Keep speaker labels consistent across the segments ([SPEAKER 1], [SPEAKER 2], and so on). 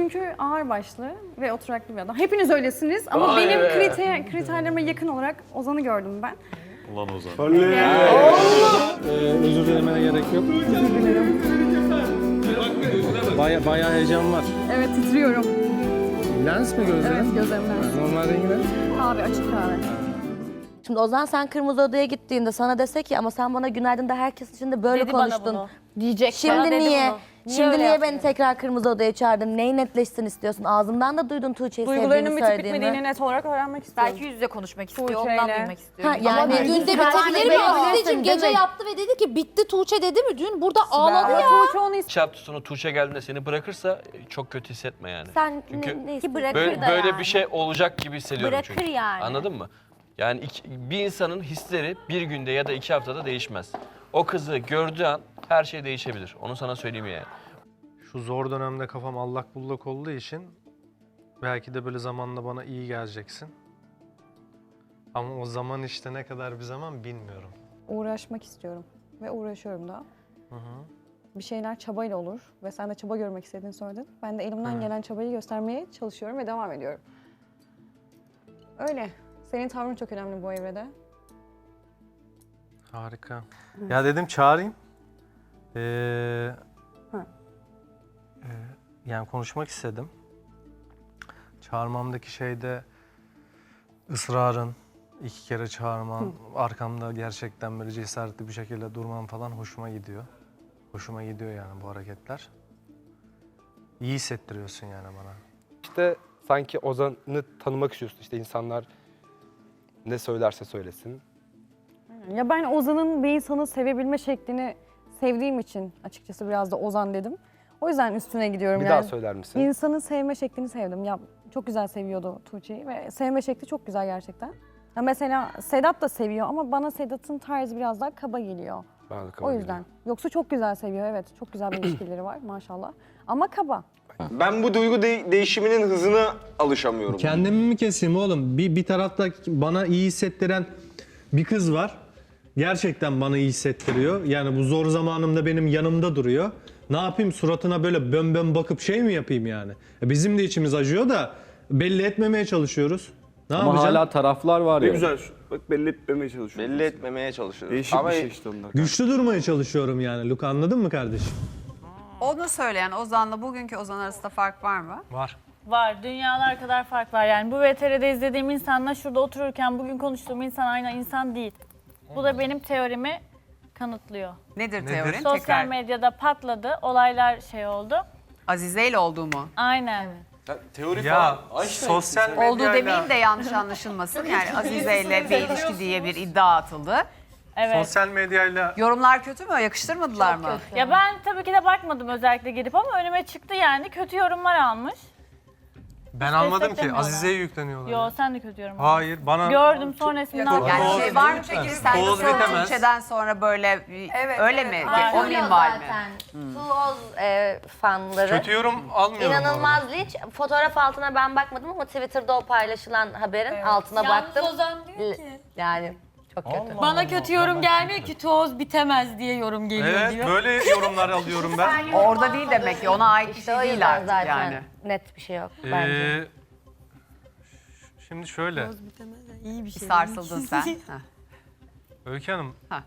[SPEAKER 1] çünkü ağırbaşlı ve oturaklı bir adam. Hepiniz öylesiniz ama benim kriterlerime yakın olarak Ozan'ı gördüm ben.
[SPEAKER 2] Ulan Ozan.
[SPEAKER 3] Özür dilemene gerek yok. Bayağı heyecan var.
[SPEAKER 1] Evet, titriyorum.
[SPEAKER 3] Lens mi gözlerin?
[SPEAKER 1] Evet, gözlerim lens.
[SPEAKER 3] Normal rengi ne?
[SPEAKER 1] Kahve, açık kahve.
[SPEAKER 4] Şimdi Ozan sen Kırmızı Oda'ya gittiğinde sana dese ki ama sen bana günaydın da herkes için de böyle
[SPEAKER 5] Dedi bana
[SPEAKER 4] konuştun.
[SPEAKER 5] bunu.
[SPEAKER 1] Diyecek.
[SPEAKER 4] Şimdi
[SPEAKER 5] Bana dedi
[SPEAKER 4] niye?
[SPEAKER 5] bunu. Niye
[SPEAKER 4] Şimdi
[SPEAKER 5] öyle
[SPEAKER 4] niye
[SPEAKER 5] yaptın?
[SPEAKER 4] beni tekrar Kırmızı Oda'ya çağırdın? Neyi netleşsin istiyorsun? Ağzımdan da duydun Tuğçe'yi
[SPEAKER 1] Duygularının
[SPEAKER 4] sevdiğini
[SPEAKER 1] bitip
[SPEAKER 4] söylediğini.
[SPEAKER 1] bitmediğini net olarak öğrenmek istiyorum.
[SPEAKER 5] Belki yüz yüze konuşmak istiyor,
[SPEAKER 1] Tuğçe'yle.
[SPEAKER 5] ondan duymak istiyor.
[SPEAKER 4] Ha, yani
[SPEAKER 6] Dün de bitebilir mi? Aslı'cığım gece yaptı ve dedi ki bitti Tuğçe dedi mi? Dün burada ağladı ya.
[SPEAKER 1] Tuğçe onu
[SPEAKER 7] 2 hafta sonra Tuğçe geldiğinde seni bırakırsa çok kötü hissetme yani.
[SPEAKER 4] Sen
[SPEAKER 7] Çünkü
[SPEAKER 4] ne
[SPEAKER 5] Ki
[SPEAKER 4] istiyorsun?
[SPEAKER 5] bırakır
[SPEAKER 7] Böyle,
[SPEAKER 5] da
[SPEAKER 7] böyle
[SPEAKER 5] yani.
[SPEAKER 7] bir şey olacak gibi hissediyorum
[SPEAKER 5] Bırakır
[SPEAKER 7] çünkü.
[SPEAKER 5] yani.
[SPEAKER 7] Anladın mı? Yani bir insanın hisleri bir günde ya da 2 haftada değişmez. O kızı gördüğü an her şey değişebilir. Onu sana söyleyeyim yani.
[SPEAKER 3] Şu zor dönemde kafam allak bullak olduğu için belki de böyle zamanla bana iyi geleceksin. Ama o zaman işte ne kadar bir zaman bilmiyorum.
[SPEAKER 1] uğraşmak istiyorum ve uğraşıyorum da. Bir şeyler çabayla olur ve sen de çaba görmek istediğini söyledin. Ben de elimden gelen çabayı göstermeye çalışıyorum ve devam ediyorum. Öyle. Senin tavrın çok önemli bu evrede.
[SPEAKER 3] Harika. Ya dedim çağırayım. Yani konuşmak istedim. Çağırmamdaki şeyde ısrarın, 2 kere çağırman, arkamda gerçekten böyle cesaretli bir şekilde durman falan hoşuma gidiyor. Hoşuma gidiyor yani bu hareketler. İyi hissettiriyorsun yani bana.
[SPEAKER 8] İşte sanki Ozan'ı tanımak istiyorsun. İşte insanlar ne söylerse söylesin.
[SPEAKER 1] Ya ben Ozan'ın bir insanı sevebilme şeklini sevdiğim için açıkçası biraz da Ozan dedim. O yüzden üstüne gidiyorum
[SPEAKER 8] Bir
[SPEAKER 1] yani.
[SPEAKER 8] daha söyler misin?
[SPEAKER 1] İnsanın sevme şeklini sevdim. Ya çok güzel seviyordu Tuğçe'yi ve sevme şekli çok güzel gerçekten. Ya mesela Sedat da seviyor ama bana Sedat'ın tarzı biraz daha kaba geliyor.
[SPEAKER 8] Bana da kabul
[SPEAKER 1] O yüzden. Yoksa çok güzel seviyor, evet. Çok güzel bir ilişkileri var maşallah. Ama kaba.
[SPEAKER 9] Ben bu duygu değişiminin hızına alışamıyorum.
[SPEAKER 10] Kendimi mi keseyim oğlum? Bir tarafta bana iyi hissettiren bir kız var. Gerçekten bana iyi hissettiriyor. Yani bu zor zamanımda benim yanımda duruyor. Ne yapayım, suratına böyle bön bakıp şey mi yapayım yani? Bizim de içimiz acıyor da belli etmemeye çalışıyoruz. Ne
[SPEAKER 11] Ama
[SPEAKER 10] yapacağım?
[SPEAKER 11] hala taraflar var
[SPEAKER 9] Ne
[SPEAKER 11] ya.
[SPEAKER 9] güzel. Bak belli etmemeye çalışıyoruz.
[SPEAKER 2] Belli etmemeye çalışıyoruz.
[SPEAKER 9] Değişik
[SPEAKER 2] Ama
[SPEAKER 9] bir şey işte onlar.
[SPEAKER 10] Güçlü durmaya çalışıyorum yani. Luka, anladın mı kardeşim?
[SPEAKER 12] Onu söyleyen Ozan'la bugünkü Ozan arasında fark var mı?
[SPEAKER 3] Var.
[SPEAKER 5] Var, dünyalar kadar fark var yani. Bu VTR'de izlediğim insanla şurada otururken bugün konuştuğum insan aynı insan değil. Bu da benim teorimi kanıtlıyor.
[SPEAKER 12] Nedir teorin?
[SPEAKER 5] Sosyal
[SPEAKER 12] Tekrar.
[SPEAKER 5] medyada patladı, olaylar şey oldu.
[SPEAKER 12] Azize ile olduğu mu?
[SPEAKER 5] Aynen.
[SPEAKER 2] teori
[SPEAKER 3] Ya
[SPEAKER 2] falan.
[SPEAKER 3] sosyal
[SPEAKER 12] Olduğu
[SPEAKER 3] medyayla...
[SPEAKER 12] demeyeyim de yanlış anlaşılmasın. Yani Azize ile bir ilişki diye bir iddia atıldı.
[SPEAKER 5] Evet.
[SPEAKER 3] Sosyal medyayla...
[SPEAKER 12] Yorumlar kötü mü? Yakıştırmadılar mı?
[SPEAKER 5] Ya ben tabii ki de bakmadım özellikle girip ama önüme çıktı yani. Kötü yorumlar almış.
[SPEAKER 3] Ben almadım ki.
[SPEAKER 5] desteklemiyorlar.
[SPEAKER 3] Azize'ye yükleniyorlar.
[SPEAKER 5] Yo sen de kötü yorum aldın.
[SPEAKER 3] Hayır, bana...
[SPEAKER 5] Gördüm sonrasında.
[SPEAKER 12] Yani şey var mı peki? Sen de
[SPEAKER 3] Toz bitemez.
[SPEAKER 12] Tuğçe'den sonra böyle öyle mi?
[SPEAKER 4] Var.
[SPEAKER 12] O
[SPEAKER 4] Oluyor
[SPEAKER 12] minval mi?
[SPEAKER 4] zaten. Tuğoz fanları.
[SPEAKER 3] Kötü yorum almıyorum.
[SPEAKER 4] İnanılmaz linç. Fotoğraf altına ben bakmadım ama Twitter'da o paylaşılan haberin altına baktım.
[SPEAKER 5] Ozan diyor ki.
[SPEAKER 4] Yani çok kötü.
[SPEAKER 5] Bana kötü yorum gelmiyor ki toz bitemez diye yorum geliyor
[SPEAKER 3] Evet,
[SPEAKER 5] diyor.
[SPEAKER 3] böyle yorumlar alıyorum ben.
[SPEAKER 12] Orada değil demek ki. Ona ait bir
[SPEAKER 4] İşte o
[SPEAKER 12] şey değil
[SPEAKER 4] yüzden
[SPEAKER 12] artık
[SPEAKER 4] zaten
[SPEAKER 12] yani.
[SPEAKER 4] net bir şey yok bence.
[SPEAKER 3] Şimdi şöyle,
[SPEAKER 5] İyi bir şey.
[SPEAKER 12] Sarsıldın sen. Heh.
[SPEAKER 3] Öykü Hanım.
[SPEAKER 12] Ha.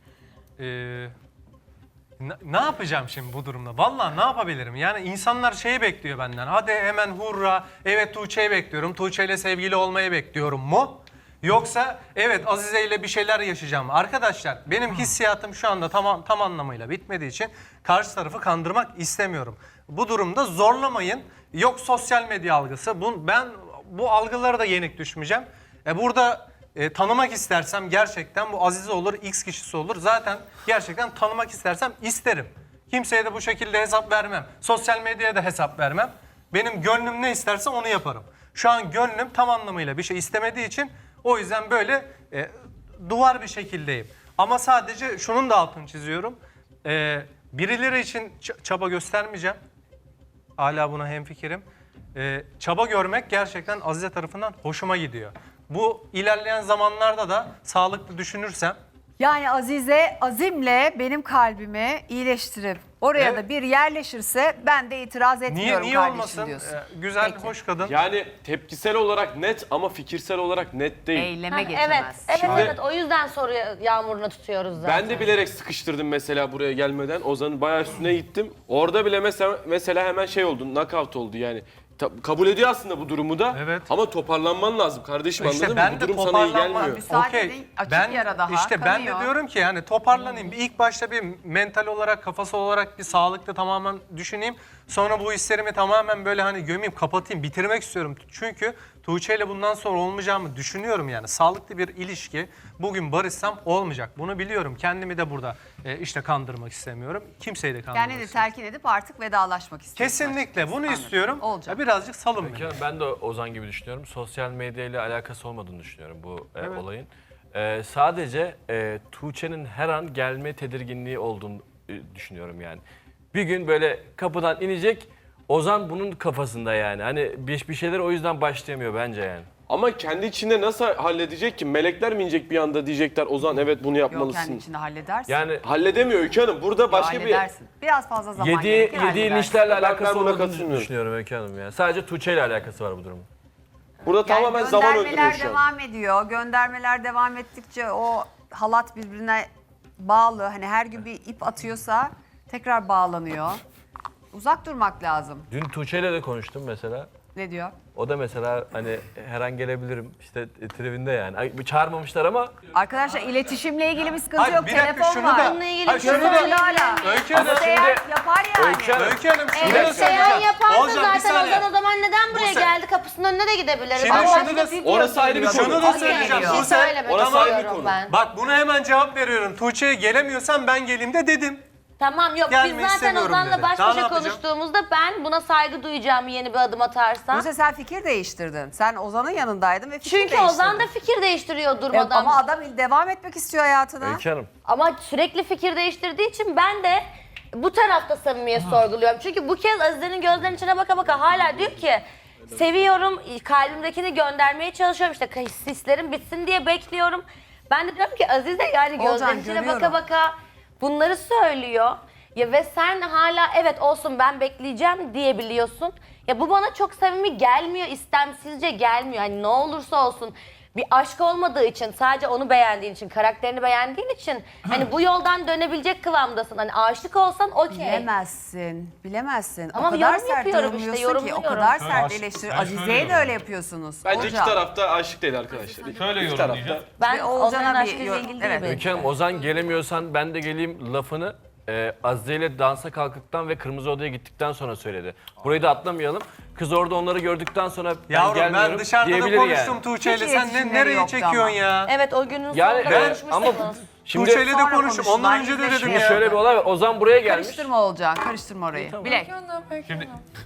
[SPEAKER 3] Ne yapacağım şimdi bu durumda? Vallahi ne yapabilirim? Yani insanlar şeyi bekliyor benden. Hadi hemen hurra, evet Tuğçe'yi bekliyorum, Tuğçe ile sevgili olmayı bekliyorum mu? Yoksa evet Azize ile bir şeyler yaşayacağım. Arkadaşlar benim hissiyatım şu anda tam anlamıyla bitmediği için karşı tarafı kandırmak istemiyorum. Bu durumda zorlamayın. Yok sosyal medya algısı. Ben bu algılara da yenik düşmeyeceğim. Burada tanımak istersem gerçekten bu Azize olur, X kişisi olur. Zaten gerçekten tanımak istersem isterim. Kimseye de bu şekilde hesap vermem. Sosyal medyaya da hesap vermem. Benim gönlüm ne isterse onu yaparım. Şu an gönlüm tam anlamıyla bir şey istemediği için o yüzden böyle duvar bir şekildeyim. Ama sadece şunun da altını çiziyorum. Birileri için çaba göstermeyeceğim. Hala buna hemfikirim. Çaba görmek gerçekten Azize tarafından hoşuma gidiyor. Bu ilerleyen zamanlarda da sağlıklı düşünürsem...
[SPEAKER 12] Yani Azize azimle benim kalbimi iyileştirip Oraya da bir yerleşirse ben de itiraz etmiyorum
[SPEAKER 3] Niye
[SPEAKER 12] kardeşim
[SPEAKER 3] olmasın?
[SPEAKER 12] diyorsun.
[SPEAKER 3] Güzel,
[SPEAKER 12] Peki.
[SPEAKER 3] hoş kadın.
[SPEAKER 2] Yani tepkisel olarak net ama fikirsel olarak net değil.
[SPEAKER 12] Eyleme
[SPEAKER 4] Evet,
[SPEAKER 12] geçemez.
[SPEAKER 4] evet,
[SPEAKER 2] Şimdi-
[SPEAKER 4] evet. O yüzden soru yağmuruna tutuyoruz zaten.
[SPEAKER 2] Ben de bilerek sıkıştırdım mesela buraya gelmeden. Ozan'ın bayağı üstüne gittim. Orada bile mesela hemen şey oldu, knockout oldu yani. Kabul ediyor aslında bu durumu da.
[SPEAKER 3] Evet.
[SPEAKER 2] Ama toparlanman lazım kardeşim,
[SPEAKER 3] İşte
[SPEAKER 2] anladın
[SPEAKER 3] ben
[SPEAKER 2] mı? Bu
[SPEAKER 3] de
[SPEAKER 2] durum sana iyi
[SPEAKER 3] toparlanma-
[SPEAKER 2] gelmiyor.
[SPEAKER 12] Müsaade
[SPEAKER 3] Okey,
[SPEAKER 12] edin, açık yara daha
[SPEAKER 3] İşte ben de
[SPEAKER 12] kanıyor.
[SPEAKER 3] diyorum ki yani toparlanayım. İlk başta bir mental olarak, kafası olarak bir sağlıklı tamamen düşüneyim. Sonra bu hislerimi tamamen böyle hani gömeyim, kapatayım, bitirmek istiyorum. Çünkü Tuğçe ile bundan sonra olmayacağımı düşünüyorum yani. Sağlıklı bir ilişki bugün barışsam olmayacak. Bunu biliyorum. Kendimi de burada işte kandırmak istemiyorum. Kimseyi de kandırmak
[SPEAKER 12] Kendini de
[SPEAKER 3] istemiyorum.
[SPEAKER 12] telkin edip artık vedalaşmak istiyorsun.
[SPEAKER 3] Kesinlikle bunu
[SPEAKER 12] Anladım.
[SPEAKER 3] istiyorum.
[SPEAKER 12] Olacak.
[SPEAKER 3] Ya birazcık salın beni.
[SPEAKER 7] Ben de Ozan gibi düşünüyorum. Sosyal medyayla alakası olmadığını düşünüyorum bu olayın. Sadece Tuğçe'nin her an gelme tedirginliği olduğunu düşünüyorum yani. Bir gün böyle kapıdan inecek, Ozan bunun kafasında yani. Hani bir şeyler o yüzden başlayamıyor bence yani.
[SPEAKER 2] Ama kendi içinde nasıl halledecek ki? Melekler mi inecek bir anda, diyecekler Ozan evet bunu
[SPEAKER 12] Yok, kendi
[SPEAKER 2] yapmalısın.
[SPEAKER 12] içinde halledersin.
[SPEAKER 7] Yani
[SPEAKER 2] Halledemiyor Öykü Hanım. Burada başka bir...
[SPEAKER 12] halledersin. Biraz fazla zaman
[SPEAKER 7] yediği
[SPEAKER 12] gerekir, halledersin.
[SPEAKER 7] linçlerle
[SPEAKER 2] Ben
[SPEAKER 7] alakası
[SPEAKER 2] buna
[SPEAKER 7] olmadığını
[SPEAKER 2] katılmıyorum.
[SPEAKER 7] düşünüyorum Öykü Hanım yani. Sadece Tuğçe ile alakası var bu durumun.
[SPEAKER 2] Burada
[SPEAKER 12] Yani
[SPEAKER 2] tamamen zaman öldürüyor
[SPEAKER 12] göndermeler
[SPEAKER 2] şu an.
[SPEAKER 12] devam ediyor. Göndermeler devam ettikçe o halat birbirine bağlı. Hani her gün bir ip atıyorsa tekrar bağlanıyor. Uzak durmak lazım.
[SPEAKER 7] Dün Tuğçe ile de konuştum mesela.
[SPEAKER 12] Ne diyor?
[SPEAKER 7] O da mesela hani her an gelebilirim işte tribinde yani. Ay, çağırmamışlar ama
[SPEAKER 12] Arkadaşlar iletişimle ilgili bir sıkıntı
[SPEAKER 3] Hayır,
[SPEAKER 12] yok.
[SPEAKER 3] bir dakika,
[SPEAKER 12] Telefon
[SPEAKER 3] şunu
[SPEAKER 12] var.
[SPEAKER 3] da-
[SPEAKER 4] Bununla ilgili
[SPEAKER 3] Hayır,
[SPEAKER 4] bir şey
[SPEAKER 3] şunu da-
[SPEAKER 4] söyleyeyim.
[SPEAKER 12] Hala.
[SPEAKER 3] Öykü Hanım,
[SPEAKER 12] İsteyen yapar yani.
[SPEAKER 7] Öykü Hanım,
[SPEAKER 3] Öykü Hanım şunu da
[SPEAKER 4] Evet,
[SPEAKER 3] söyleyeceğim.
[SPEAKER 4] Seyhan yaparsa
[SPEAKER 3] Olcan, bir
[SPEAKER 4] zaten
[SPEAKER 3] saniye.
[SPEAKER 4] Ozan o zaman neden buraya
[SPEAKER 3] Buse.
[SPEAKER 4] geldi? Kapısının önüne de gidebiliriz.
[SPEAKER 3] Şimdi
[SPEAKER 4] Ama
[SPEAKER 3] şunu da-
[SPEAKER 4] video
[SPEAKER 2] Orası ayrı bir
[SPEAKER 4] geliyor.
[SPEAKER 2] konu.
[SPEAKER 3] Şunu da
[SPEAKER 12] Okey
[SPEAKER 3] söyleyeceğim.
[SPEAKER 12] geliyor.
[SPEAKER 4] Bir
[SPEAKER 3] Buse,
[SPEAKER 4] şey söylemek
[SPEAKER 2] Orası ayrı bir
[SPEAKER 4] istiyorum
[SPEAKER 2] konu.
[SPEAKER 4] ben.
[SPEAKER 3] bak buna hemen cevap veriyorum. Tuğçe'ye gelemiyorsan ben geleyim de dedim.
[SPEAKER 4] Tamam yok
[SPEAKER 3] Gelmeyi
[SPEAKER 4] biz zaten
[SPEAKER 3] istemiyorum
[SPEAKER 4] Ozan'la
[SPEAKER 3] dedi.
[SPEAKER 4] baş
[SPEAKER 3] Daha ne
[SPEAKER 4] başa
[SPEAKER 3] yapacağım?
[SPEAKER 4] konuştuğumuzda ben buna saygı duyacağımı yeni bir adım atarsan.
[SPEAKER 12] Buse sen fikir değiştirdin. Sen Ozan'ın yanındaydın ve fikir
[SPEAKER 4] Çünkü
[SPEAKER 12] değiştirdin.
[SPEAKER 4] Ozan da fikir değiştiriyor durmadan.
[SPEAKER 12] Ama adam devam etmek istiyor hayatına.
[SPEAKER 7] Öykü Hanım.
[SPEAKER 4] Ama sürekli fikir değiştirdiği için ben de bu tarafta samimiyet sorguluyorum. Çünkü bu kez Azize'nin gözlerinin içine baka baka hala diyor ki seviyorum, kalbimdekini göndermeye çalışıyorum. İşte hislerim bitsin diye bekliyorum. Ben de diyorum ki Azize yani
[SPEAKER 12] Olcan,
[SPEAKER 4] gözlerinin içine baka
[SPEAKER 12] görüyorum.
[SPEAKER 4] baka bunları söylüyor. Ya ve sen hala evet olsun ben bekleyeceğim diyebiliyorsun. Ya bu bana çok samimi gelmiyor, istemsizce gelmiyor. Hani ne olursa olsun bir aşk olmadığı için, sadece onu beğendiğin için, karakterini beğendiğin için hani bu yoldan dönebilecek kıvamdasın. Hani aşık olsan okey.
[SPEAKER 12] Bilemezsin, bilemezsin.
[SPEAKER 4] Ama
[SPEAKER 12] o kadar
[SPEAKER 4] yorum
[SPEAKER 12] sert
[SPEAKER 4] yapıyorum işte,
[SPEAKER 12] yorumluyorsun ki, o
[SPEAKER 4] yorumluyorum.
[SPEAKER 12] kadar sert eleştiri. Azize'ye de öyle yapıyorsunuz.
[SPEAKER 2] Bence iki
[SPEAKER 12] Olcan.
[SPEAKER 2] tarafta aşık değil arkadaşlar.
[SPEAKER 11] Şöyle
[SPEAKER 2] İki tarafta.
[SPEAKER 11] yorumlayacağım.
[SPEAKER 4] Ben
[SPEAKER 12] Ve Oğulcan'a
[SPEAKER 4] Ozan'ın
[SPEAKER 12] bir
[SPEAKER 4] aşkıyla
[SPEAKER 12] yorum-
[SPEAKER 4] ilgili
[SPEAKER 12] evet.
[SPEAKER 4] değil
[SPEAKER 7] Öykü Hanım, Ozan gelemiyorsan ben de geleyim lafını Azize ile dansa kalktıktan ve Kırmızı Oda'ya gittikten sonra söyledi. Burayı da atlamayalım. Kız orada onları gördükten sonra ben
[SPEAKER 3] Yavrum
[SPEAKER 7] gelmiyorum
[SPEAKER 3] ben dışarıda da
[SPEAKER 7] diyebilir
[SPEAKER 3] konuştum
[SPEAKER 7] yani.
[SPEAKER 3] Tuğçe'yle.
[SPEAKER 12] Hiç
[SPEAKER 3] Sen
[SPEAKER 12] iletişimleri
[SPEAKER 3] nereye
[SPEAKER 12] yoktu
[SPEAKER 3] çekiyorsun
[SPEAKER 12] ama.
[SPEAKER 3] ya?
[SPEAKER 4] Evet o günün
[SPEAKER 7] Yani
[SPEAKER 4] sonunda
[SPEAKER 7] ben ama
[SPEAKER 4] konuşmuşsunuz.
[SPEAKER 7] şimdi
[SPEAKER 3] Tuğçe'yle de
[SPEAKER 12] Sonra
[SPEAKER 3] konuştum. Ondan
[SPEAKER 12] konuştular,
[SPEAKER 3] önce de
[SPEAKER 12] yüzleşme.
[SPEAKER 3] dedim
[SPEAKER 7] şimdi
[SPEAKER 3] ya.
[SPEAKER 7] şöyle bir olay var. Ozan buraya gelmiş.
[SPEAKER 12] Karıştırma Olcan, karıştırma orayı. Bilek.
[SPEAKER 11] Şimdi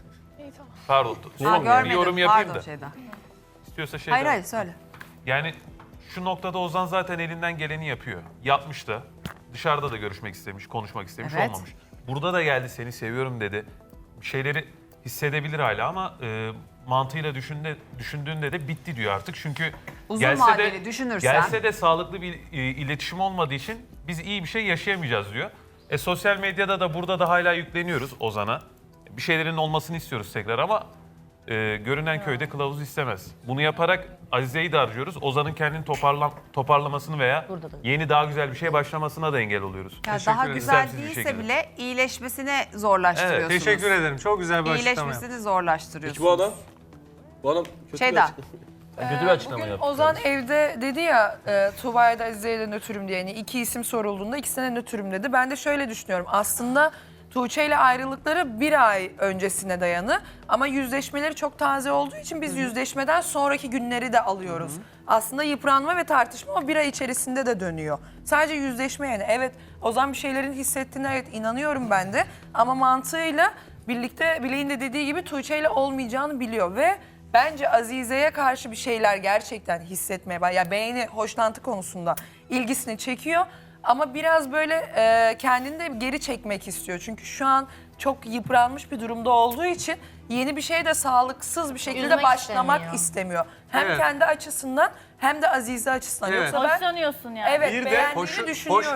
[SPEAKER 11] pardon.
[SPEAKER 12] Ha,
[SPEAKER 11] Son bir
[SPEAKER 12] görmedim.
[SPEAKER 11] yorum yapayım
[SPEAKER 12] Pardon
[SPEAKER 11] da.
[SPEAKER 12] şeyden.
[SPEAKER 11] İstiyorsa şey
[SPEAKER 12] Hayır
[SPEAKER 11] de-
[SPEAKER 12] hayır söyle.
[SPEAKER 11] Yani şu noktada Ozan zaten elinden geleni yapıyor. Yapmış da. Dışarıda da görüşmek istemiş, konuşmak istemiş,
[SPEAKER 12] Evet.
[SPEAKER 11] olmamış. Burada da geldi seni seviyorum dedi. Bir şeyleri hissedebilir hala ama mantığıyla düşündüğünde de bitti diyor artık. Çünkü
[SPEAKER 12] Uzun vadeli düşünürsen.
[SPEAKER 11] gelse de sağlıklı bir iletişim olmadığı için biz iyi bir şey yaşayamayacağız diyor. Sosyal medyada da burada da hala yükleniyoruz Ozan'a. Bir şeylerin olmasını istiyoruz tekrar ama görünen köyde kılavuz istemez. Bunu yaparak Azize'yi de harcıyoruz. Ozan'ın kendini toparlamasını veya yeni daha güzel bir şeye başlamasına da engel oluyoruz.
[SPEAKER 12] Ya
[SPEAKER 3] Teşekkür
[SPEAKER 12] daha
[SPEAKER 3] ederim.
[SPEAKER 12] güzel
[SPEAKER 11] İstemsiz bir
[SPEAKER 12] değilse
[SPEAKER 11] şekilde.
[SPEAKER 12] bile iyileşmesini zorlaştırıyorsunuz.
[SPEAKER 3] Teşekkür ederim. Çok güzel bir açıklama yaptın.
[SPEAKER 12] İyileşmesini zorlaştırıyorsunuz.
[SPEAKER 2] Peki bu adam? Bu adam kötü
[SPEAKER 12] Şeyda.
[SPEAKER 2] bir açıklama.
[SPEAKER 7] Kötü bir açıklama
[SPEAKER 13] Bugün
[SPEAKER 7] yaptı.
[SPEAKER 13] Ozan evde dedi ya Tuğba'ya da Azize'ye de nötrüm diye. Yani iki isim sorulduğunda ikisine nötrüm dedi. Ben de şöyle düşünüyorum. Aslında Tuğçe ile ayrılıkları bir ay öncesine dayanı. Ama yüzleşmeleri çok taze olduğu için biz yüzleşmeden sonraki günleri de alıyoruz. Aslında yıpranma ve tartışma o bir ay içerisinde de dönüyor. Sadece yüzleşme yani. Evet Ozan bir şeylerin hissettiğine evet inanıyorum ben de. Ama mantığıyla birlikte Bilek'in de dediği gibi Tuğçe ile olmayacağını biliyor ve bence Azize'ye karşı bir şeyler gerçekten hissetmeye ya beğeni, hoşlantı konusunda ilgisini çekiyor. Ama biraz böyle kendini de geri çekmek istiyor. Çünkü şu an çok yıpranmış bir durumda olduğu için yeni bir şeye de sağlıksız bir şekilde
[SPEAKER 4] Üzmek
[SPEAKER 13] başlamak
[SPEAKER 4] istemiyor.
[SPEAKER 13] istemiyor. Hem
[SPEAKER 3] Evet.
[SPEAKER 13] kendi açısından hem de Azize açısından.
[SPEAKER 3] Evet.
[SPEAKER 13] Yoksa ben
[SPEAKER 5] Hoşlanıyorsun yani.
[SPEAKER 13] evet
[SPEAKER 2] Bir de
[SPEAKER 13] beğendiğimi düşünüyorum.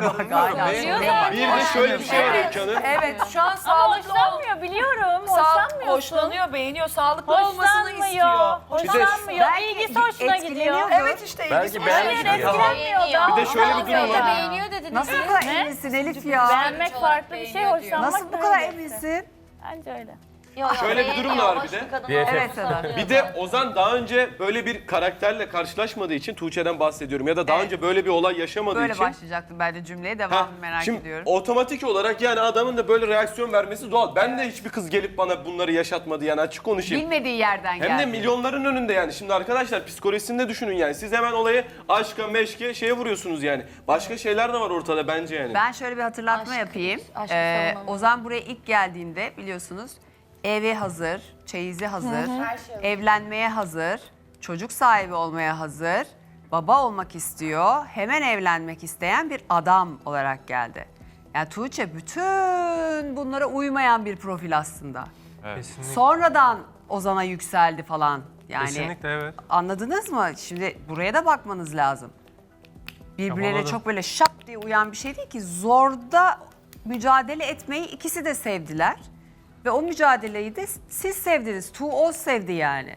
[SPEAKER 2] Bir de şöyle bir şey var
[SPEAKER 13] Evet,
[SPEAKER 2] Öykü Hanım.
[SPEAKER 13] evet şu an
[SPEAKER 5] Ama
[SPEAKER 13] sağlıklı
[SPEAKER 5] hoşlanmıyor biliyorum. Hoşlanmıyorsun.
[SPEAKER 13] hoşlanıyor, beğeniyor, sağlıklı olmasını istiyor.
[SPEAKER 5] Hoşlanmıyor. İlgisi hoşuna gidiyor.
[SPEAKER 13] Evet işte ilgisi.
[SPEAKER 7] beğenmiş
[SPEAKER 5] Hayır etkilenmiyor da.
[SPEAKER 2] Bir de şöyle bir durum var.
[SPEAKER 6] Beğeniyor dediniz.
[SPEAKER 12] Nasıl bu kadar eminsin Elif ya?
[SPEAKER 5] Beğenmek farklı bir şey, hoşlanmak
[SPEAKER 12] Nasıl bu
[SPEAKER 5] da
[SPEAKER 12] kadar
[SPEAKER 5] öyle.
[SPEAKER 12] eminsin?
[SPEAKER 5] Bence öyle.
[SPEAKER 2] Şöyle bir durum da var bir de.
[SPEAKER 12] Evet Sedat.
[SPEAKER 2] Bir de Ozan daha önce böyle bir karakterle karşılaşmadığı için, Tuğçe'den bahsediyorum, ya da daha
[SPEAKER 12] Evet.
[SPEAKER 2] önce böyle bir olay yaşamadığı
[SPEAKER 12] Böyle
[SPEAKER 2] için.
[SPEAKER 12] başlayacaktım ben de cümleye.
[SPEAKER 2] Ha,
[SPEAKER 12] Devamını merak
[SPEAKER 2] şimdi
[SPEAKER 12] ediyorum.
[SPEAKER 2] otomatik olarak yani adamın da böyle reaksiyon vermesi doğal. Ben de hiçbir kız gelip bana bunları yaşatmadı yani, açık konuşayım.
[SPEAKER 12] Bilmediği yerden geldi.
[SPEAKER 2] Hem de milyonların önünde yani. Şimdi arkadaşlar psikolojisini de düşünün yani. Siz hemen olayı aşka, meşke şeye vuruyorsunuz yani. Başka şeyler de var ortada bence yani.
[SPEAKER 12] Ben şöyle bir hatırlatma yapayım. Ozan buraya ilk geldiğinde biliyorsunuz evi hazır, çeyizi hazır, evlenmeye hazır, çocuk sahibi olmaya hazır, baba olmak istiyor, hemen evlenmek isteyen bir adam olarak geldi. Yani Tuğçe bütün bunlara uymayan bir profil aslında.
[SPEAKER 3] Kesinlikle.
[SPEAKER 12] Sonradan Ozan'a yükseldi falan. Yani
[SPEAKER 3] Kesinlikle evet.
[SPEAKER 12] anladınız mı? Şimdi buraya da bakmanız lazım. Birbirlerine
[SPEAKER 3] Anladım.
[SPEAKER 12] çok böyle şap diye uyan bir şey değil ki. Zorda mücadele etmeyi ikisi de sevdiler. Ve o mücadeleyi de siz sevdiniz. O sevdi yani.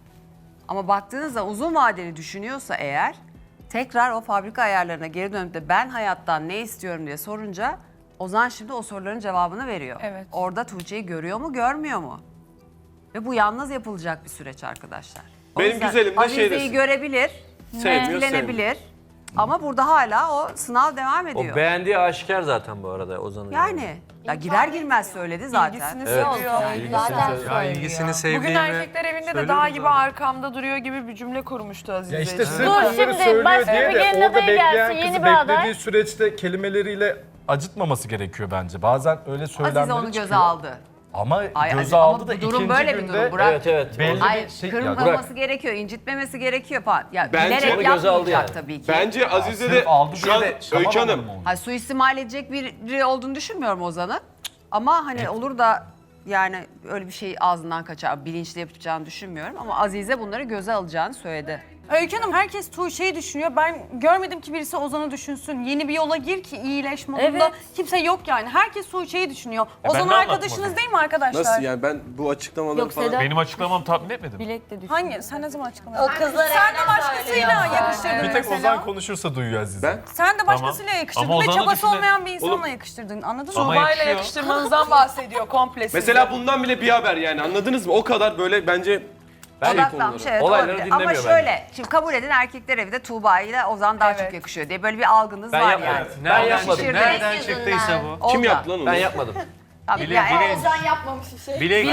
[SPEAKER 12] Ama baktığınızda uzun vadeli düşünüyorsa eğer, tekrar o fabrika ayarlarına geri dönüp de ben hayattan ne istiyorum diye sorunca Ozan şimdi o soruların cevabını veriyor.
[SPEAKER 13] Evet.
[SPEAKER 12] Orada Tuğçe'yi görüyor mu, görmüyor mu? Ve bu yalnız yapılacak bir süreç arkadaşlar. O
[SPEAKER 2] Benim
[SPEAKER 12] yüzden
[SPEAKER 2] güzelim de şey
[SPEAKER 12] Azize'yi
[SPEAKER 2] desin.
[SPEAKER 12] görebilir,
[SPEAKER 2] Sevmiyor,
[SPEAKER 12] etkilenebilir. Ama burada hala o sınav devam ediyor.
[SPEAKER 7] O beğendiği aşikar zaten bu arada Ozan'ın.
[SPEAKER 12] Yani ya girer girmez söyledi zaten.
[SPEAKER 13] İlgisini
[SPEAKER 7] Evet.
[SPEAKER 13] seviyor.
[SPEAKER 3] Ya ilgisini sevdiğini
[SPEAKER 13] Bugün erkekler evinde de dağ gibi arkamda duruyor gibi bir cümle kurmuştu Azize.
[SPEAKER 8] Ya işte sırf
[SPEAKER 5] Dur,
[SPEAKER 8] bunları
[SPEAKER 5] şimdi
[SPEAKER 8] söylüyor
[SPEAKER 5] başka
[SPEAKER 8] diye
[SPEAKER 5] bir
[SPEAKER 8] de
[SPEAKER 5] gelin
[SPEAKER 8] orada
[SPEAKER 5] adayı
[SPEAKER 8] bekleyen
[SPEAKER 5] gelsin,
[SPEAKER 8] kızı
[SPEAKER 5] yeni bir aday.
[SPEAKER 8] beklediği süreçte kelimeleriyle acıtmaması gerekiyor bence. Bazen öyle söylemleri
[SPEAKER 12] Azize onu göze
[SPEAKER 8] çıkıyor.
[SPEAKER 12] aldı.
[SPEAKER 8] Ama
[SPEAKER 12] Ay,
[SPEAKER 8] göze
[SPEAKER 12] Azize,
[SPEAKER 8] aldı
[SPEAKER 12] ama
[SPEAKER 8] da
[SPEAKER 12] bu durum
[SPEAKER 8] ikinci
[SPEAKER 12] böyle bir
[SPEAKER 8] günde
[SPEAKER 12] durum. Bırak.
[SPEAKER 7] Evet.
[SPEAKER 8] belli
[SPEAKER 12] Hayır,
[SPEAKER 8] bir şey...
[SPEAKER 12] kırmaması gerekiyor, incitmemesi gerekiyor falan. Ya
[SPEAKER 2] Bence
[SPEAKER 12] bilerek
[SPEAKER 7] onu göze aldı
[SPEAKER 12] yapmayacak
[SPEAKER 7] yani.
[SPEAKER 12] tabii ki.
[SPEAKER 2] Bence Azize
[SPEAKER 8] Sırf
[SPEAKER 2] de
[SPEAKER 8] aldı
[SPEAKER 2] şu
[SPEAKER 8] diye
[SPEAKER 2] an
[SPEAKER 8] de şaman
[SPEAKER 2] Öykü Hanım.
[SPEAKER 8] olur mu?
[SPEAKER 12] Hayır, suistimal edecek biri olduğunu düşünmüyorum Ozan'ın. Ama hani olur da yani öyle bir şey ağzından kaçar, bilinçli yapacağını düşünmüyorum. Ama Azize bunları göze alacağını söyledi.
[SPEAKER 1] Öykü Hanım herkes Tuğçe'yi düşünüyor. Ben görmedim ki birisi Ozan'ı düşünsün. Yeni bir yola gir ki iyileş modunda.
[SPEAKER 5] Evet.
[SPEAKER 1] Kimse yok yani. Herkes Tuğçe'yi düşünüyor.
[SPEAKER 11] ben
[SPEAKER 1] Ozan
[SPEAKER 11] de
[SPEAKER 1] arkadaşınız
[SPEAKER 11] anlatmadım.
[SPEAKER 1] değil mi arkadaşlar?
[SPEAKER 2] Nasıl yani, ben bu açıklamaları
[SPEAKER 5] Yok,
[SPEAKER 2] falan...
[SPEAKER 5] Sedat.
[SPEAKER 11] Benim açıklamamı tatmin etmedin mi?
[SPEAKER 5] Bilek de düşün.
[SPEAKER 1] Hangi? Sen ne zaman açıklamadın?
[SPEAKER 4] O kızlar
[SPEAKER 1] Sen de başkasıyla yakıştırdın
[SPEAKER 8] Bir tek
[SPEAKER 1] mesela.
[SPEAKER 8] Ozan konuşursa duyuyor Azize.
[SPEAKER 2] Ben?
[SPEAKER 1] Sen de başkasıyla yakıştırdın
[SPEAKER 11] Ama
[SPEAKER 1] ve
[SPEAKER 11] Ozan'ı
[SPEAKER 1] çabası
[SPEAKER 11] düşünün.
[SPEAKER 1] olmayan bir insanla
[SPEAKER 2] Oğlum.
[SPEAKER 1] yakıştırdın. Anladın mı?
[SPEAKER 11] Ama
[SPEAKER 13] Tuğba'yla
[SPEAKER 11] yakışıyor.
[SPEAKER 13] yakıştırmanızdan bahsediyor komple size.
[SPEAKER 2] Mesela bundan bile bir haber yani, anladınız mı? O kadar böyle bence
[SPEAKER 12] Odaklanmış, evet,
[SPEAKER 7] Olayları
[SPEAKER 12] olabilir. Ama
[SPEAKER 7] dinlemiyor
[SPEAKER 12] şöyle, şimdi kabul edin erkekler evi de Tuğba ile Ozan daha çok yakışıyor diye böyle bir algınız
[SPEAKER 7] Ben
[SPEAKER 12] var
[SPEAKER 7] yapmadım.
[SPEAKER 12] yani.
[SPEAKER 7] Ben yapmadım.
[SPEAKER 12] Şişirdi.
[SPEAKER 3] Nereden çıktıysa bu?
[SPEAKER 2] kim
[SPEAKER 12] Oldu.
[SPEAKER 2] yaptı lan onu?
[SPEAKER 7] Ben yapmadım.
[SPEAKER 12] Tabii
[SPEAKER 3] Bile-
[SPEAKER 12] yani-
[SPEAKER 3] bile-
[SPEAKER 4] Ozan yapmamış bir şey.
[SPEAKER 3] Bilek,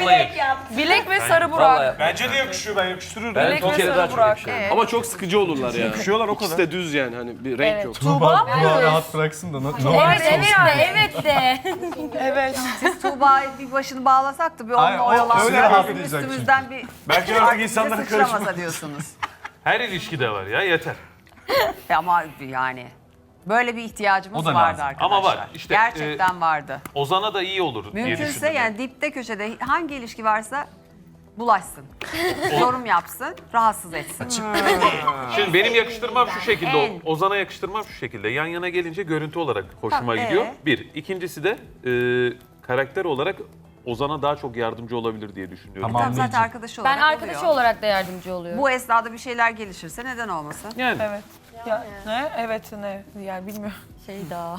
[SPEAKER 13] Bilek ve Sarı
[SPEAKER 7] Vallahi
[SPEAKER 13] Burak.
[SPEAKER 7] yapmadım.
[SPEAKER 11] Bence de yakışıyor, ben yakıştırırım.
[SPEAKER 7] Ben
[SPEAKER 13] Bilek
[SPEAKER 7] Tuğçe'yle
[SPEAKER 13] ve
[SPEAKER 7] daha çok
[SPEAKER 13] Burak.
[SPEAKER 7] yakışıyorum.
[SPEAKER 12] Evet.
[SPEAKER 2] Ama çok sıkıcı olurlar ya.
[SPEAKER 8] Yakışıyorlar o
[SPEAKER 2] İkisi
[SPEAKER 8] kadar.
[SPEAKER 2] de düz yani, hani bir renk yok.
[SPEAKER 8] Tuğba bunu rahat bıraksın da ne olursa
[SPEAKER 5] Evet de.
[SPEAKER 13] Evet.
[SPEAKER 12] Siz Tuğba'yı bir başını bağlasak da bir
[SPEAKER 8] Hayır,
[SPEAKER 12] onunla
[SPEAKER 8] o öyle
[SPEAKER 12] oyalansak
[SPEAKER 8] rahatlayacak
[SPEAKER 12] üstümüzden bir
[SPEAKER 11] Bence artık
[SPEAKER 12] bize
[SPEAKER 11] insanlara
[SPEAKER 12] sıçramasa
[SPEAKER 11] karışma.
[SPEAKER 12] diyorsunuz.
[SPEAKER 11] Her ilişkide var ya, yeter.
[SPEAKER 12] Ama yani böyle bir ihtiyacımız
[SPEAKER 11] O da
[SPEAKER 12] vardı
[SPEAKER 11] lazım.
[SPEAKER 12] arkadaşlar.
[SPEAKER 11] Ama var. İşte,
[SPEAKER 12] gerçekten vardı.
[SPEAKER 11] Ozan'a da iyi olur diye
[SPEAKER 12] Mümkünse
[SPEAKER 11] düşündüm.
[SPEAKER 12] yani dipte köşede hangi ilişki varsa bulaşsın. Yorum yapsın, rahatsız etsin.
[SPEAKER 11] Şimdi benim yakıştırmam şu şekilde,
[SPEAKER 12] En.
[SPEAKER 11] Ozan'a yakıştırmam şu şekilde. Yan yana gelince görüntü olarak hoşuma
[SPEAKER 12] Tamam,
[SPEAKER 11] gidiyor. Bir. İkincisi de karakter olarak Ozan'a daha çok yardımcı olabilir diye düşünüyorum.
[SPEAKER 8] Tamam.
[SPEAKER 12] Tamam, zaten arkadaşı olarak
[SPEAKER 5] Ben arkadaşı
[SPEAKER 12] oluyor.
[SPEAKER 5] olarak da yardımcı oluyorum.
[SPEAKER 12] Bu esnada bir şeyler gelişirse neden olmasın?
[SPEAKER 11] Yani.
[SPEAKER 13] Evet. Ya, ne? Evet ne? Yani bilmiyorum.
[SPEAKER 5] Şey daha.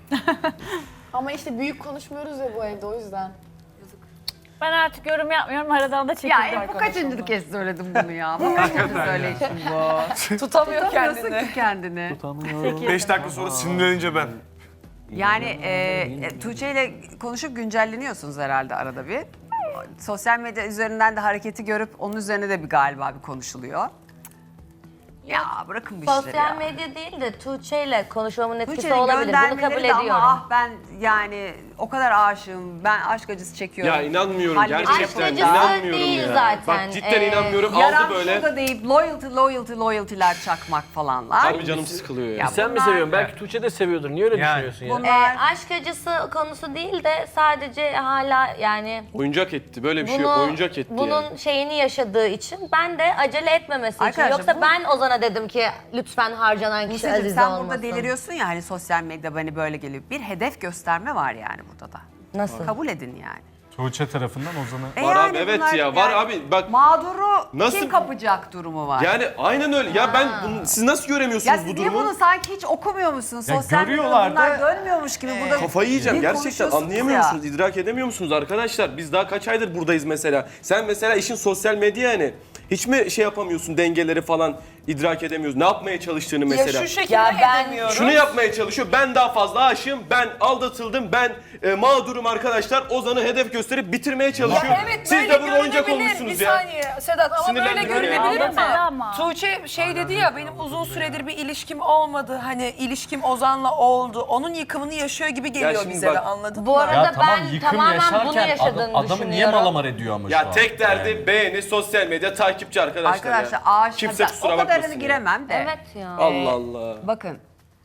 [SPEAKER 4] Ama işte büyük konuşmuyoruz ya bu evde, o yüzden.
[SPEAKER 5] Ben artık yorum yapmıyorum. Aradan da çekildim
[SPEAKER 12] Ya bu
[SPEAKER 5] arkadaşım.
[SPEAKER 12] kaçıncı kez söyledim bunu ya? Bu kaçıncı söyleyişim bu?
[SPEAKER 13] Tutamıyor
[SPEAKER 12] Tutamıyorsun
[SPEAKER 13] kendini.
[SPEAKER 12] ki kendini.
[SPEAKER 11] 5 dakika sonra sinirlenince ben.
[SPEAKER 12] Yani Tuğçe ile konuşup güncelleniyorsunuz herhalde arada bir. Sosyal medya üzerinden de hareketi görüp onun üzerine de bir galiba bir konuşuluyor. Ya bırakın bu işleri
[SPEAKER 4] Sosyal
[SPEAKER 12] ya.
[SPEAKER 4] medya değil de Tuğçe ile konuşmamın etkisi
[SPEAKER 12] Tuğçe'nin
[SPEAKER 4] olabilir. Bunu kabul
[SPEAKER 12] göndermeleri de ama
[SPEAKER 4] ediyorum.
[SPEAKER 12] ah ben yani o kadar aşığım. Ben aşk acısı çekiyorum.
[SPEAKER 2] Ya inanmıyorum
[SPEAKER 12] Halledeceğim.
[SPEAKER 2] gerçekten.
[SPEAKER 4] Aşk acısı
[SPEAKER 2] İnanmıyorum
[SPEAKER 4] değil
[SPEAKER 2] ya.
[SPEAKER 4] zaten.
[SPEAKER 2] Bak cidden inanmıyorum. Aldı
[SPEAKER 12] Yaran
[SPEAKER 2] böyle.
[SPEAKER 12] şurada deyip loyalty'ler çakmak falanlar.
[SPEAKER 2] Harbi canım sıkılıyor ya.
[SPEAKER 12] Ya
[SPEAKER 7] Sen mi
[SPEAKER 12] bunlar-
[SPEAKER 7] seviyorsun? Belki Tuğçe de seviyordur. Niye öyle
[SPEAKER 3] Yani.
[SPEAKER 7] düşünüyorsun ya?
[SPEAKER 12] Bunlar
[SPEAKER 4] Aşk acısı konusu değil de sadece hala yani
[SPEAKER 2] Oyuncak etti. Böyle bir şey yok. Oyuncak etti
[SPEAKER 4] bunun
[SPEAKER 2] yani.
[SPEAKER 4] şeyini yaşadığı için ben de acele etmemesi için.
[SPEAKER 12] Arkadaşlar,
[SPEAKER 4] Yoksa
[SPEAKER 12] bu-
[SPEAKER 4] ben Ozan'a dedim ki lütfen harcanan kişi
[SPEAKER 12] Buse'cim
[SPEAKER 4] Azize
[SPEAKER 12] sen
[SPEAKER 4] olmasın.
[SPEAKER 12] burada deliriyorsun ya hani sosyal medya beni böyle geliyor. Bir hedef gösterme var yani burada da.
[SPEAKER 4] Nasıl?
[SPEAKER 12] Kabul edin yani.
[SPEAKER 14] Tuğçe tarafından Ozan'ı.
[SPEAKER 2] Var
[SPEAKER 12] yani
[SPEAKER 2] abi, evet
[SPEAKER 12] bunlar
[SPEAKER 2] ya, var abi, bak-
[SPEAKER 12] Mağduru
[SPEAKER 2] Nasıl-
[SPEAKER 12] kim kapacak durumu var.
[SPEAKER 2] Yani aynen öyle. Ya ben siz nasıl
[SPEAKER 12] ya
[SPEAKER 2] göremiyorsunuz
[SPEAKER 12] siz
[SPEAKER 2] bu
[SPEAKER 12] niye
[SPEAKER 2] durumu?
[SPEAKER 12] bunu sanki hiç okumuyor musunuz?
[SPEAKER 14] Ya
[SPEAKER 12] Sosyal medyada
[SPEAKER 14] görüyorlar
[SPEAKER 12] bunlar
[SPEAKER 14] da-
[SPEAKER 12] dönmüyormuş gibi burada.
[SPEAKER 2] Kafayı yiyeceğim
[SPEAKER 12] bir
[SPEAKER 2] gerçekten,
[SPEAKER 12] konuşuyorsunuz
[SPEAKER 2] anlayamıyor
[SPEAKER 12] ya.
[SPEAKER 2] musunuz? İdrak edemiyor musunuz arkadaşlar? Biz daha kaç aydır buradayız mesela. Sen mesela işin sosyal medya yani. Hiç mi şey yapamıyorsun, dengeleri falan idrak edemiyorsun? Ne yapmaya çalıştığını mesela?
[SPEAKER 13] Ya şu şekilde
[SPEAKER 4] Ya ben-
[SPEAKER 13] edemiyorum.
[SPEAKER 2] Şunu yapmaya çalışıyor. Ben daha fazla aşığım. Ben aldatıldım. Ben mağdurum arkadaşlar. Ozan'ı hedef gösterip bitirmeye çalışıyor.
[SPEAKER 13] Ya evet,
[SPEAKER 2] Siz
[SPEAKER 13] böyle
[SPEAKER 2] de burada oyuncak
[SPEAKER 13] görünebilir.
[SPEAKER 2] olmuşsunuz
[SPEAKER 13] Bir
[SPEAKER 2] ya.
[SPEAKER 13] saniye Sedat ama böyle
[SPEAKER 2] Sinirlendiriyor ya.
[SPEAKER 13] görünebilir
[SPEAKER 5] Ama.
[SPEAKER 13] Tuğçe şey dedi ya benim uzun süredir bir ilişkim olmadı. Hani ilişkim Ozan'la oldu. Onun yıkımını yaşıyor gibi geliyor
[SPEAKER 2] şimdi
[SPEAKER 13] bize
[SPEAKER 2] bak-
[SPEAKER 13] de anladın
[SPEAKER 4] Bu
[SPEAKER 13] mı?
[SPEAKER 4] arada
[SPEAKER 14] Ya tamam
[SPEAKER 4] ben
[SPEAKER 14] yıkım
[SPEAKER 4] tamamen bunu
[SPEAKER 14] yaşarken
[SPEAKER 4] yaşadığını
[SPEAKER 14] adamı niye
[SPEAKER 4] düşünüyorum.
[SPEAKER 14] malamar ediyor ama şu
[SPEAKER 2] Ya
[SPEAKER 14] an?
[SPEAKER 2] tek derdi
[SPEAKER 14] Yani.
[SPEAKER 2] beğeni, sosyal medya, takipçi arkadaşlar
[SPEAKER 12] Arkadaşlar
[SPEAKER 2] ya.
[SPEAKER 12] aşk
[SPEAKER 2] Kimse kusura
[SPEAKER 12] o kadarını
[SPEAKER 2] bakmasın ya.
[SPEAKER 12] giremem de.
[SPEAKER 4] Evet ya.
[SPEAKER 2] Allah Allah.
[SPEAKER 12] Bakın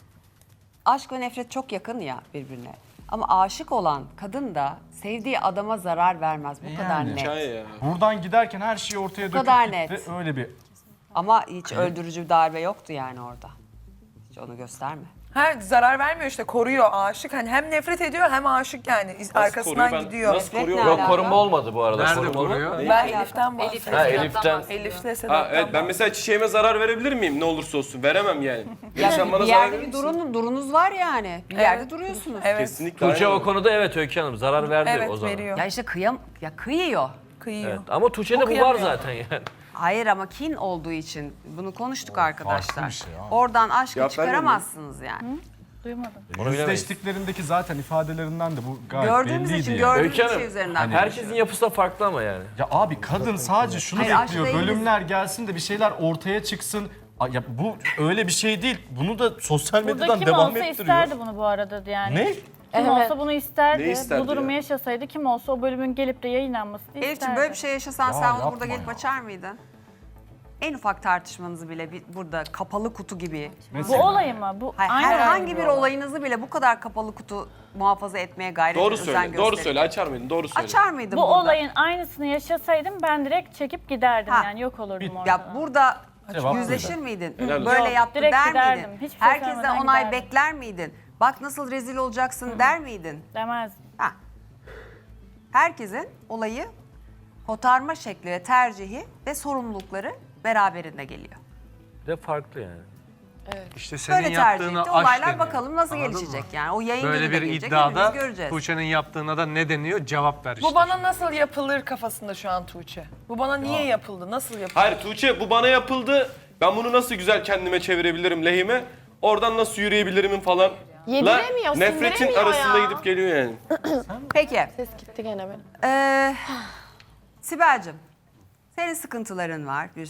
[SPEAKER 12] aşk ve nefret çok yakın ya birbirine. Ama aşık olan kadın da sevdiği adama zarar vermez. Bu kadar
[SPEAKER 14] Yani.
[SPEAKER 12] net.
[SPEAKER 2] Hikaye ya.
[SPEAKER 14] Buradan giderken her şeyi ortaya döküp
[SPEAKER 12] kadar
[SPEAKER 14] gitti.
[SPEAKER 12] net.
[SPEAKER 14] Öyle bir
[SPEAKER 12] Ama hiç öldürücü bir darbe yoktu yani orada. Hiç onu gösterme.
[SPEAKER 13] Ha, zarar vermiyor işte koruyor aşık. Hani hem nefret ediyor hem aşık yani arkasından
[SPEAKER 2] koruyor? Ben-
[SPEAKER 13] gidiyor.
[SPEAKER 2] nasıl koruyor?
[SPEAKER 12] ne
[SPEAKER 7] Yok
[SPEAKER 12] alaka?
[SPEAKER 7] koruma olmadı bu arada.
[SPEAKER 3] Nerede
[SPEAKER 7] Koruma
[SPEAKER 3] koruyor?
[SPEAKER 7] olmadı.
[SPEAKER 13] Ben Elif'ten bahsediyorum.
[SPEAKER 7] Ha Elif'ten.
[SPEAKER 13] Elif'le
[SPEAKER 2] Ha,
[SPEAKER 13] Sedat'tan
[SPEAKER 2] evet ben mesela çiçeğime zarar verebilir miyim ne olursa olsun? Veremem yani.
[SPEAKER 12] Ya
[SPEAKER 2] Sen bana
[SPEAKER 12] bir
[SPEAKER 2] zarar
[SPEAKER 12] yerde
[SPEAKER 2] verir
[SPEAKER 12] bir
[SPEAKER 2] misin?
[SPEAKER 12] durunuz var yani. Bir yerde duruyorsunuz.
[SPEAKER 13] Evet.
[SPEAKER 2] Kesinlikle.
[SPEAKER 7] Tuğçe
[SPEAKER 2] aynen.
[SPEAKER 7] o konuda evet Öykü Hanım zarar verdi
[SPEAKER 13] Evet
[SPEAKER 7] o zaman.
[SPEAKER 13] veriyor.
[SPEAKER 12] Ya işte kıyıyor.
[SPEAKER 13] Kıyıyor.
[SPEAKER 7] Evet. Ama Tuğçe'de bu var
[SPEAKER 13] Okuyamıyor.
[SPEAKER 7] zaten yani.
[SPEAKER 12] Hayır ama kin olduğu için bunu konuştuk arkadaşlar.
[SPEAKER 14] bir şey ya.
[SPEAKER 12] Oradan aşkı
[SPEAKER 2] Cevap vermiyor
[SPEAKER 12] çıkaramazsız yani.
[SPEAKER 5] Duymadım.
[SPEAKER 7] Onu bilemeyiz.
[SPEAKER 14] yüzleştiklerindeki zaten ifadelerinden de bu gayet
[SPEAKER 12] Gördüğümüz
[SPEAKER 14] belliydi
[SPEAKER 12] için
[SPEAKER 14] yani.
[SPEAKER 12] gördüğümüz
[SPEAKER 7] Öykü Hanım,
[SPEAKER 12] şey üzerinden.
[SPEAKER 7] Herkesin yapısı da farklı ama yani.
[SPEAKER 14] Ya abi kadın sadece şunu
[SPEAKER 12] Hayır,
[SPEAKER 14] bekliyor.
[SPEAKER 12] aşkla ilgili-
[SPEAKER 14] Bölümler gelsin de bir şeyler ortaya çıksın. Ya bu öyle bir şey değil. Bunu da sosyal
[SPEAKER 5] Burada
[SPEAKER 14] medyadan
[SPEAKER 5] kim
[SPEAKER 14] devam
[SPEAKER 5] olsa
[SPEAKER 14] ettiriyor.
[SPEAKER 5] isterdi bunu bu arada yani.
[SPEAKER 14] Ne?
[SPEAKER 5] Kim
[SPEAKER 4] Evet.
[SPEAKER 5] olsa bunu isterdi.
[SPEAKER 2] Ne isterdi
[SPEAKER 5] Bu durumu
[SPEAKER 2] ya?
[SPEAKER 5] yaşasaydı kim olsa o bölümün gelip de yayınlanmasını isterdi.
[SPEAKER 12] Elif'ciğim böyle bir şey yaşasan
[SPEAKER 14] Ya
[SPEAKER 12] sen onu
[SPEAKER 14] yapma
[SPEAKER 12] burada gelip
[SPEAKER 14] ya.
[SPEAKER 12] açar mıydın? En ufak tartışmanızı bile burada kapalı kutu gibi.
[SPEAKER 5] Bu olay mı? Bu
[SPEAKER 12] Hayır,
[SPEAKER 5] aynı
[SPEAKER 12] herhangi
[SPEAKER 5] olay
[SPEAKER 12] bir
[SPEAKER 5] mı?
[SPEAKER 12] olayınızı bile bu kadar kapalı kutu muhafaza etmeye gayret
[SPEAKER 2] Doğru
[SPEAKER 12] özen
[SPEAKER 2] söyle. Doğru
[SPEAKER 12] gösterin.
[SPEAKER 2] söyle. Açar mıydın? Doğru söyle.
[SPEAKER 12] Açar mıydın
[SPEAKER 5] Bu
[SPEAKER 12] burada?
[SPEAKER 5] olayın aynısını yaşasaydım ben direkt çekip giderdim
[SPEAKER 12] Ha.
[SPEAKER 5] yani yok olurdum orada.
[SPEAKER 12] Ya burada
[SPEAKER 14] Cevap
[SPEAKER 12] yüzleşir
[SPEAKER 14] buydu.
[SPEAKER 12] miydin?
[SPEAKER 2] Helal olsun.
[SPEAKER 12] Böyle
[SPEAKER 5] Yok,
[SPEAKER 12] yaptı
[SPEAKER 5] direkt
[SPEAKER 12] der
[SPEAKER 5] giderdim.
[SPEAKER 12] miydin?
[SPEAKER 5] Hiçbir şey
[SPEAKER 12] Herkesten
[SPEAKER 5] söylemeden
[SPEAKER 12] onay
[SPEAKER 5] giderdim.
[SPEAKER 12] bekler miydin? Bak nasıl rezil olacaksın der miydin?
[SPEAKER 5] Demezdim.
[SPEAKER 12] Ha. Herkesin olayı kotarma şekli ve tercihi ve sorumlulukları beraberinde geliyor.
[SPEAKER 7] Bir de farklı yani.
[SPEAKER 3] İşte senin
[SPEAKER 12] Böyle tercih
[SPEAKER 3] yaptığına
[SPEAKER 12] etti.
[SPEAKER 3] aşk
[SPEAKER 12] Olaylar
[SPEAKER 3] deniyor.
[SPEAKER 12] bakalım nasıl
[SPEAKER 3] Anladın
[SPEAKER 12] gelişecek
[SPEAKER 3] mı?
[SPEAKER 12] yani. O yayın
[SPEAKER 3] Böyle
[SPEAKER 12] günü de
[SPEAKER 3] bir
[SPEAKER 12] gelecek,
[SPEAKER 3] iddiada
[SPEAKER 12] hepimiz göreceğiz.
[SPEAKER 3] Tuğçe'nin yaptığına da ne deniyor? Cevap ver işte.
[SPEAKER 13] Bu bana nasıl yapılır kafasında şu an Tuğçe. Bu bana niye yapıldı? Nasıl yapıldı?
[SPEAKER 2] Hayır Tuğçe bu bana yapıldı. Ben bunu nasıl güzel kendime çevirebilirim lehime? Oradan nasıl yürüyebilirimin falan.
[SPEAKER 4] Yediremiyor,
[SPEAKER 2] Nefretin
[SPEAKER 4] sindiremiyor
[SPEAKER 2] arasında
[SPEAKER 4] ya.
[SPEAKER 2] gidip geliyor yani.
[SPEAKER 12] Peki.
[SPEAKER 4] Ses gitti gene benim.
[SPEAKER 12] Sibel'cim senin sıkıntıların var bir